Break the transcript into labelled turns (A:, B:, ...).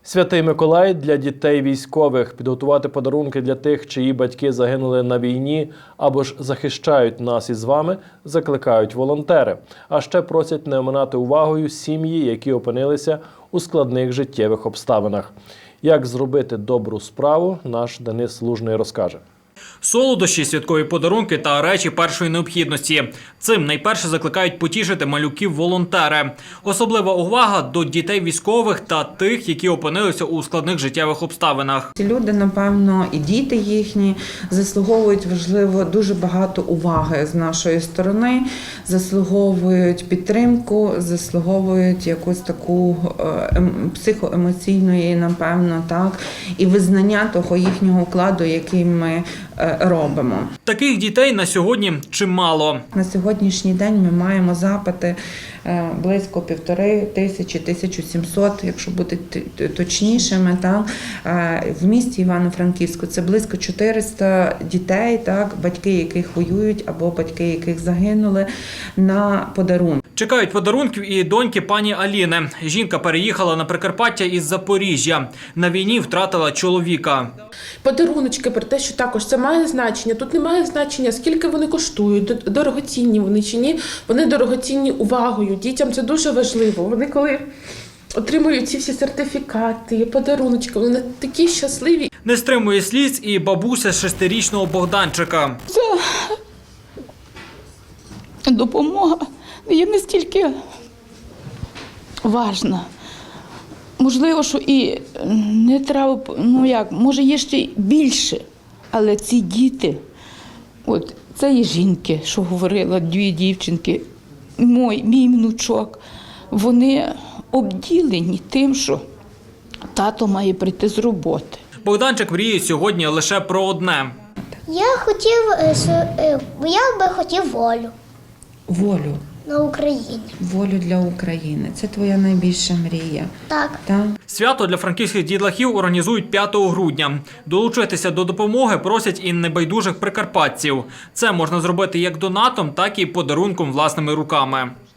A: Святий Миколай для дітей військових. Підготувати подарунки для тих, чиї батьки загинули на війні або ж захищають нас із вами, закликають волонтери. А ще просять не оминати увагою сім'ї, які опинилися у складних життєвих обставинах. Як зробити добру справу, наш Денис Лужний розкаже.
B: Солодощі, святкові подарунки та речі першої необхідності. Цим найперше закликають потішити малюків волонтери. Особлива увага до дітей військових та тих, які опинилися у складних життєвих обставинах.
C: Ці люди, напевно, і діти їхні заслуговують, важливо, дуже багато уваги з нашої сторони, заслуговують підтримку, заслуговують якусь таку психоемоційної, напевно, так, і визнання того їхнього вкладу, який ми робимо.
B: Таких дітей на сьогодні чимало.
C: На сьогоднішній день ми маємо запити близько 1500–1700, якщо бути точнішими, так, в місті Івано-Франківську. Це близько 400 дітей, так, батьки яких воюють або батьки яких загинули, на подарунки.
B: Чекають подарунків і доньки пані Аліни. Жінка переїхала на Прикарпаття із Запоріжжя. На війні втратила чоловіка.
D: Подаруночки, про те, що також це має значення. Тут немає значення, скільки вони коштують, дорогоцінні вони чи ні. Вони дорогоцінні увагою. Дітям це дуже важливо. Вони коли отримують ці всі сертифікати, подаруночки, вони такі щасливі.
B: Не стримує сліз і бабуся 6-річного Богданчика.
E: Це допомога є настільки важна. Можливо, що і не треба, може є ще й більше, але ці діти, от це є жінки, що говорила, 2 дівчинки, мій внучок, вони обділені тим, що тато має прийти з роботи.
B: Богданчик мріє сьогодні лише про одне.
F: Я би хотів волю.
C: Волю.
F: На Україні.
C: Волю для України. Це твоя найбільша мрія.
F: Так.
C: Так?
B: Свято для франківських дітлахів організують 5 грудня. Долучитися до допомоги просять і небайдужих прикарпатців. Це можна зробити як донатом, так і подарунком власними руками.